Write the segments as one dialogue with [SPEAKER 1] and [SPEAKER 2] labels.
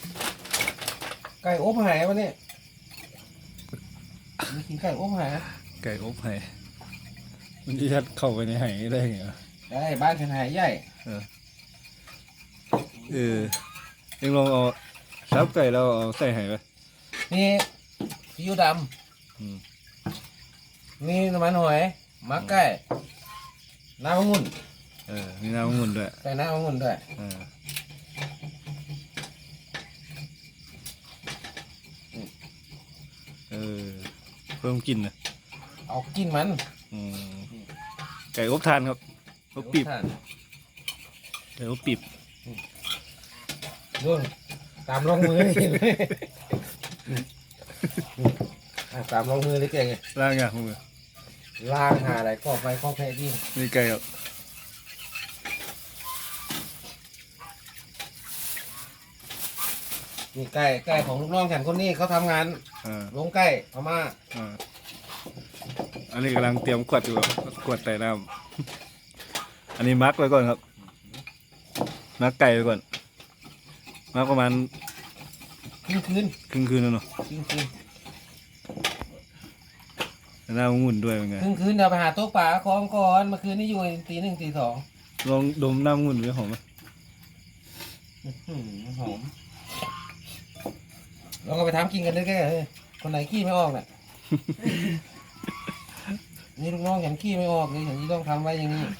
[SPEAKER 1] ไก่อบหายวะเนี่ยมีกินไก่อบหาย
[SPEAKER 2] ไก่อบไห่มันจะยัดเข้าไปในไห่ได้ไงวะ
[SPEAKER 1] ได้บ้านฉันหายใหญ่
[SPEAKER 2] เออยังลองเอาซับไก่เราเอาใส่ไห่ไป
[SPEAKER 1] นี่ซีอิ๊วด
[SPEAKER 2] อืม
[SPEAKER 1] ำนี่น้ำมันหอยมักไก่น้ำองุ่น
[SPEAKER 2] มีน้ำองุ่นด้วย
[SPEAKER 1] ใส่น้ำองุ่นด้วย
[SPEAKER 2] เออเออเพิ่มกลิ่นนะ
[SPEAKER 1] เอากินมัน
[SPEAKER 2] อืมไก่อบทานครับอบปีบ
[SPEAKER 1] ท่าน
[SPEAKER 2] ไก่อบปีบ
[SPEAKER 1] นู่นตามลงมือเลยเห็นไหมตามลงมือเลยเก่งไง
[SPEAKER 2] ล่างอย่างมือ
[SPEAKER 1] ล้างหาอะไรก็ไปก็แพ้ดิ
[SPEAKER 2] นี่ไก่ครับ
[SPEAKER 1] นี่ไก่ของลูกน้องฉันคนนี้เขาทำงาน
[SPEAKER 2] อ่า
[SPEAKER 1] ลงไก่พม่า
[SPEAKER 2] อ่าอันนี้กำลังเตรียมขวดอยู่ครับขวดใส่น้ำอันนี้มักไว้ก่อนครับมักไก่ไว้ก่อนมักประมาณ
[SPEAKER 1] คืน
[SPEAKER 2] ครึ่งคืนแล้วเนาะ
[SPEAKER 1] คืน
[SPEAKER 2] น้ำองุ่นด้วยเป็นไง
[SPEAKER 1] คืนเดี๋ยวไปหาโต๊ะป่าของก่อนเมื่อคืนนี้อยู่ตี 1 ตี 2
[SPEAKER 2] ลองดมน้ำองุ่นด้วยหอมไหม
[SPEAKER 1] หอมเราก็ไปทำกินกันได้แค่คนไหนขี้ไม่ออกน่ะ นี่ลูกน้องฉันขี้ไม่ออกเลยฉันนี่ต้องทำไว้อย่างนี้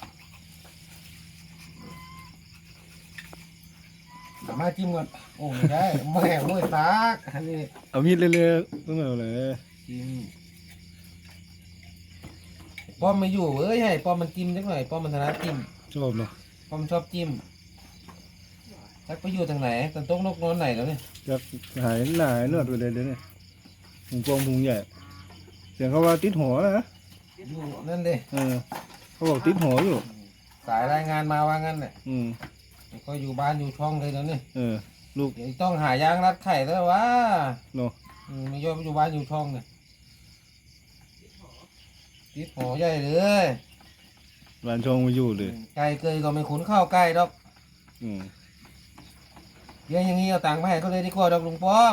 [SPEAKER 1] สามารถจิ้มก่อนโอ้ไม่ได้แม่โว้ยตากอันนี้
[SPEAKER 2] เอามีดเรื่อยๆต้องเอาเลย
[SPEAKER 1] จิ้มป้อมไม่อยู่เอ้ยให้ป้อมมันจิ้มสักหน่อยป้อมมันถนัดจิ้ม
[SPEAKER 2] ชอบเนาะ
[SPEAKER 1] ป้อมชอบจิ้มทักไปอยู่ทางไหนตอนโต๊ะนกนอนไหนแล้วเนี่ย
[SPEAKER 2] จะหายหนาหายเลือดไปเลยเดี๋ยวนี้หุงกองหุงใหญ่เสียงเขาว่าติดหัวนะ
[SPEAKER 1] อยู่นั่นเด้
[SPEAKER 2] เขาบอกติดหัวอยู่
[SPEAKER 1] สายรายงานมาว่างั้นเนี่ย
[SPEAKER 2] อืม
[SPEAKER 1] ก็อยู่บ้านอยู่ช่องเลยแล้วเนี่ย
[SPEAKER 2] ลูก
[SPEAKER 1] เดี๋ยวต้องหายางรัดไข่แล้ววะ
[SPEAKER 2] เนาะ
[SPEAKER 1] ไม่ยอมอยู่บ้านอยู่ช่องเนี่ยติดหอใหญ่เลย
[SPEAKER 2] ร้านช่องมาอยู่เลย
[SPEAKER 1] ไก่เกยก็ไม่ขุนข้าวไก่ดอก
[SPEAKER 2] อืม
[SPEAKER 1] เลี้ยงอย่างนี้เอาตังค์มาให้เขาเลยดีกว่าดอกลุงป้อม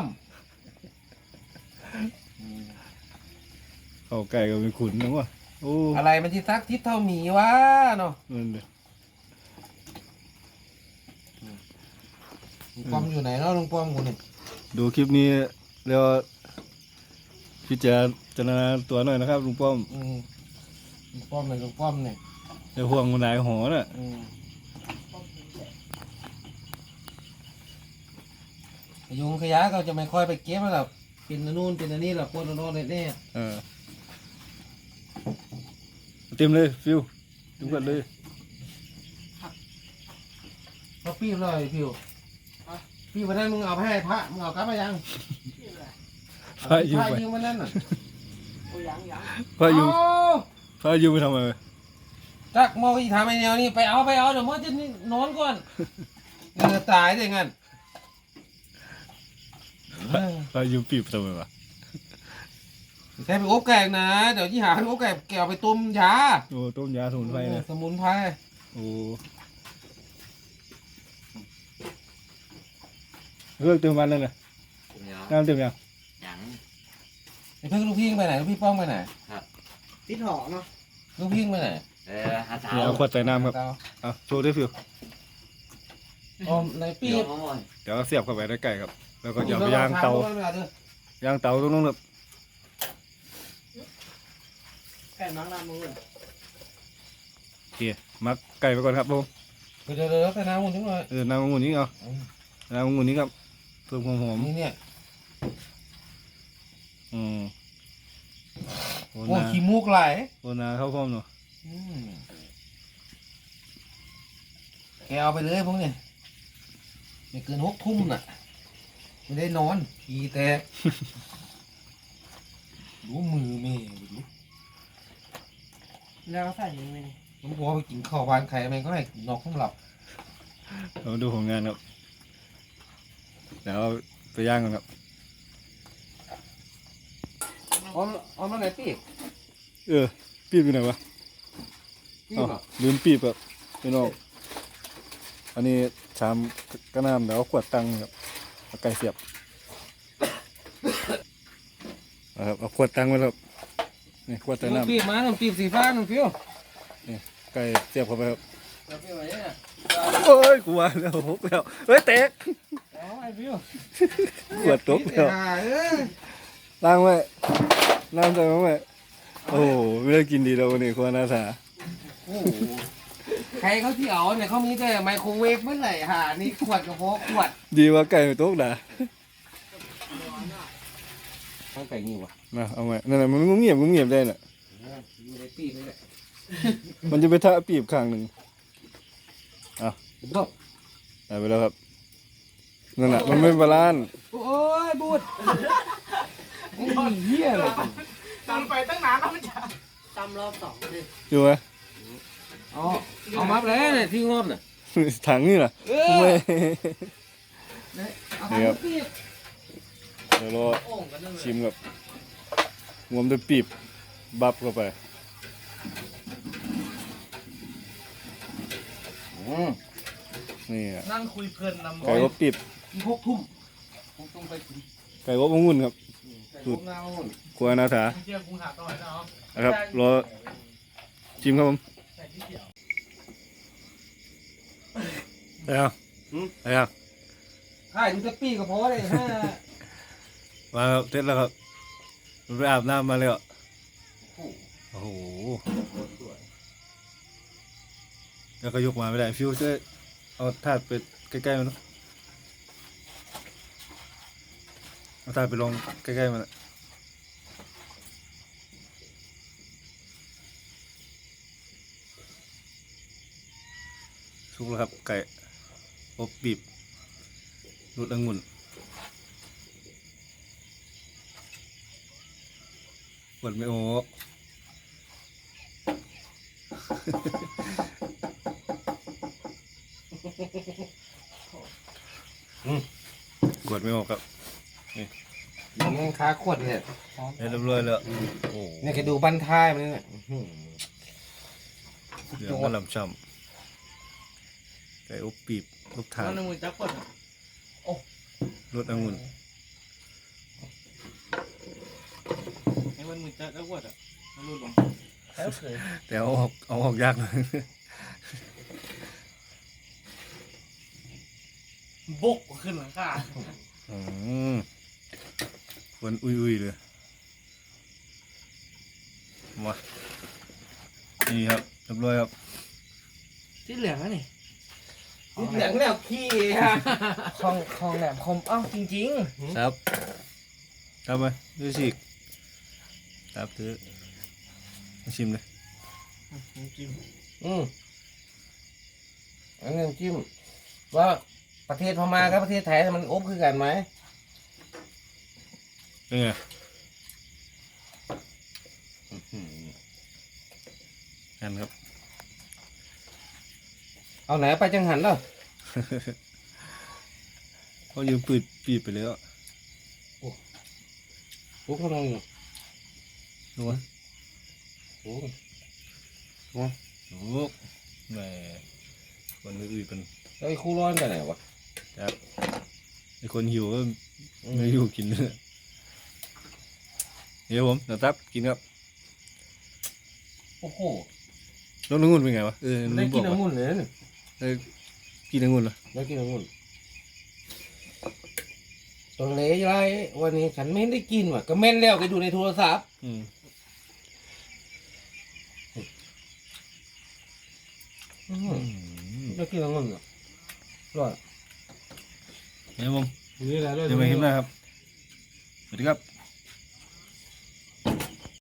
[SPEAKER 2] ข้าวไก่ก็เป็นขุนนะวะโอ้
[SPEAKER 1] อะไรมันที่ซักทิศเท่าหมีวะเนาะ
[SPEAKER 2] นั่นเลย
[SPEAKER 1] ลุงป้อมอยู่ไหนเนาะลุงป้อมคนนี้
[SPEAKER 2] ดูคลิปนี้แล้วพิจารณาตัวหน่อยนะครับลุงป้อม
[SPEAKER 1] ลุงป้อมเลยลุงป้อมเนี่ย
[SPEAKER 2] ไอ้ห่วงมันหลายหอน่ะ
[SPEAKER 1] ยุงขยะก็จะไม่ค่อยไปเก็บแล้วหรอกเป็นอันนู่นเป็นอันนี้หรอกปนอันโน่นเนี่ย
[SPEAKER 2] เต็มเลยฟิวทุกคนเลย
[SPEAKER 1] เขาปีบเลยพิวปีบวันนั้นมึงเอาไปให้พระมึงเอากลับมายัง
[SPEAKER 2] พระอยู่
[SPEAKER 1] พระ
[SPEAKER 2] ไป
[SPEAKER 1] ยืมวันนั้นน่ะ
[SPEAKER 2] พระอยู่
[SPEAKER 1] โอ้
[SPEAKER 2] พระอยู่ไปทำไม
[SPEAKER 1] จักมองอีกทำไอ้แนวนี้ไปเอาเดี๋ยวมันจะนอนก่อนตายได้งั้น
[SPEAKER 2] พระอยู่ปีบทำไมวะ
[SPEAKER 1] แค่ไปอบแกงนะเดี๋ยวที่หาอบแกงแกเอาไปต้มยา
[SPEAKER 2] โอ้ต้มยาสมุนไพรนะ
[SPEAKER 1] สมุนไพร
[SPEAKER 2] โอ้เลิกเติมวันแล้วนะน้ำเต็มยัง
[SPEAKER 3] ยัง
[SPEAKER 1] ไอ้เพิ่งลูกพี่ไปไหนลูกพี่ป้องไปไหน
[SPEAKER 3] ติดหอเนาะ
[SPEAKER 1] ลูกพี่ไปไหน
[SPEAKER 3] หาเช้า
[SPEAKER 2] เนี่ยเอาขวดใส่น้ำครับเอาโชว์ด้วยฟิว
[SPEAKER 1] อ๋อในปี
[SPEAKER 3] เดี๋ยว
[SPEAKER 1] บ
[SPEAKER 3] มาหมด
[SPEAKER 2] เดี๋ยวเสียบเข้าไปในไก่ครับ แล้วก็อย่าไปย่างเตาย่างเตาตรงนู้นครับ
[SPEAKER 3] ไก่มังลามือ
[SPEAKER 2] โอเคมักไก่ไปก่อนครับผม
[SPEAKER 1] เดี๋ยวใส่น้ำมันนิดหน่อย
[SPEAKER 2] น้ำองุ่นนี้เอาน้ำองุ่นนี้ครับเพิ่มความหอม
[SPEAKER 1] นี่เนี่ย
[SPEAKER 2] อืมโอ
[SPEAKER 1] โอ้
[SPEAKER 2] นา
[SPEAKER 1] ขี้มูกไหล
[SPEAKER 2] โอนาเข้าพร้อมเนาะ
[SPEAKER 1] แกเอาไปเลยพวกนี้ไม่เกิน6 ทุ่มน่ะไม่ได้นอนขี้แตกดูมือแม่ดู
[SPEAKER 3] แล้วใส่ยังไง
[SPEAKER 1] ผมบอกไปกินข้าวบ้านใครแม่งก็ให้นอกห้องหลับ
[SPEAKER 2] เรามาดูผลงานครับเดี๋ยวเอาไปย่างกันครับ
[SPEAKER 1] เอามาไหนปีบ
[SPEAKER 2] ปีบอยู่ไหนวะ
[SPEAKER 1] ปี
[SPEAKER 2] อ้าว
[SPEAKER 1] บอ่ะ
[SPEAKER 2] ลืมปีบครับพี่น้องอันนี้ชามกระน้ำเดี๋ยวเอาขวดตังค์ครับเอาไก่เสียบนะครับเอาขวดตั้งไว้แล้วนี่ขวดใส่น้
[SPEAKER 1] ปีบมาหนุ่มปีบสีฟ้าหนุ่มฟิว
[SPEAKER 2] ำนี่ไก่เสียบเข้าไปครับ
[SPEAKER 1] เอาฟิวไหนเนี่ย
[SPEAKER 2] โอ้ยกลัวแล้วหกแล้วเฮ้ยแตก
[SPEAKER 1] เอาไอ้ฟิว
[SPEAKER 2] ขวดตกแล้ว ล้างไว้น้ำใส่ไว้โอ้โหไม่ได้กินดีแล้ววันนี้ครัวนาสา
[SPEAKER 1] โอ้โหใครเขาที่เอาเนี่ยเขามีแต่ไมโครเวฟเมื่อไหร่หานี่ขวดกระเพาะขวด
[SPEAKER 2] ดีว่าไก่ไม่ตกด่า
[SPEAKER 1] มันไก่นี่วะ
[SPEAKER 2] มาเอาไว้นั่นแหละมันงุ้มเงียบได้น่ะ
[SPEAKER 1] อยู่ในปีบนี่แหละ
[SPEAKER 2] มันจะไปทะปีบข้างหนึ่ง
[SPEAKER 1] บอก
[SPEAKER 2] ได้ไปแล้วครับนั่นแหละมันไม่บาลานซ์
[SPEAKER 1] โอ้ยบูดไอ้เหี้ยเลย
[SPEAKER 3] ตำไปตั้งนานแล้วมันจะตำรอบ2เลย
[SPEAKER 2] อยู่ไหม
[SPEAKER 1] เอามาแล้วเนี่ยที่งบเนี่ย
[SPEAKER 2] ถังนี่น่ะไม่
[SPEAKER 1] เอา
[SPEAKER 2] นี่ครับ
[SPEAKER 1] ปีบ
[SPEAKER 2] เดี๋ยวรอ
[SPEAKER 3] โอ่งกันนั่นเลย
[SPEAKER 2] ชิมกับงวมด้วยปีบบับเข้าไป นี่อ่ะ
[SPEAKER 3] นั่งคุยเพลินนำ
[SPEAKER 2] ไก่อบปีบ
[SPEAKER 1] อีก6 ทุ่มคงต้องไปกิน
[SPEAKER 2] ไก่อบองุ่นครับ
[SPEAKER 1] ไก่อบเงา
[SPEAKER 2] ครัวนาสา
[SPEAKER 3] เที่ยวกรุงหาต่อยเนาะ
[SPEAKER 2] นะครับรอชิมครับผม
[SPEAKER 3] แต่ที่เกี่ยว
[SPEAKER 2] ได้ยังได้ยัง
[SPEAKER 1] ถ่ายดูจะปีก็พอเลยฮะ
[SPEAKER 2] มาครับเสร็จแล้วครับมันไปอาบน้ำมาเลยอ่ะโอ้โหแล้วก็ยกมาไม่ได้ฟิวช่วยเอาถาดไปใกล้ๆมันเนอะเอาถาดไปลงใกล้ๆมันอะสุกแล้วครับไก่อบบีบรูดองุ่นกดไม่โอ้ กดไม่ออกครับ
[SPEAKER 1] ยังค้าขวดเนี่ย
[SPEAKER 2] เรียบร้อยแล้วโอ้
[SPEAKER 1] เนี่ยแกดูบั้นท้ายมันเนี่ย
[SPEAKER 2] เหลืองมันลำช่ำไก่อบปีบลูกถา
[SPEAKER 3] นั่
[SPEAKER 2] น
[SPEAKER 3] นมือจับกด
[SPEAKER 2] รสองุ่น
[SPEAKER 3] ไอ้มันมือจับกดอ่ะมันรูดลง
[SPEAKER 2] แต่เอาออกยากเลย
[SPEAKER 3] บกขึ้นหลังคา
[SPEAKER 2] อืมคนอุ้ยเลยมานี่ครับเรียบร้อยครับ
[SPEAKER 3] ที่เหลืองนะนี่
[SPEAKER 1] เหลืองแล้วขี้ฮะ
[SPEAKER 3] ของแหลมคมอ้าวจริง
[SPEAKER 2] ครับทำไหมดูสิครับถือมาชิมเลย
[SPEAKER 3] ๆจิ้ม
[SPEAKER 1] อันนี้จิ้มว่าประเทศพม่ากับประเทศไทยมันอบคือกันไหม
[SPEAKER 2] เป็นไงกันครับ
[SPEAKER 1] เอาไหนไปจังหันแล้ว
[SPEAKER 2] เขายืมปืดปีบไปแล้ว
[SPEAKER 1] ปุ๊บเขาลง
[SPEAKER 2] รู้ไหม
[SPEAKER 1] โอ้
[SPEAKER 2] รู้แหมคนอื่นเป็น
[SPEAKER 1] แล้วไอ้คู่ร้อนกันไหนวะ
[SPEAKER 2] ครับไอคนหิวก็ไม่หิวกินเนื้อเดี๋ยวผมเดี๋ยวตับกินครับ
[SPEAKER 1] โอ้โห
[SPEAKER 2] น้ององุ่นเป็นไงวะลื
[SPEAKER 1] ได้
[SPEAKER 2] มบ
[SPEAKER 1] กิ
[SPEAKER 2] อน ก
[SPEAKER 1] องุ่
[SPEAKER 2] ว่าน
[SPEAKER 1] เลยนะ
[SPEAKER 2] ได้กินองุ่นเหรอ
[SPEAKER 1] ได้กินองุ่นตัวเละไรวันนี้ฉันไม่ได้กินว่ะก็เม่นแล้วไปดูในโทรศัพท์
[SPEAKER 2] อืม
[SPEAKER 1] ได้กินองุ่นเหรอร่อย
[SPEAKER 2] เดี๋ยวผม
[SPEAKER 1] นี่แหละ
[SPEAKER 2] เดี๋ยวมาเห็นหน้าครับสวัสดีครับ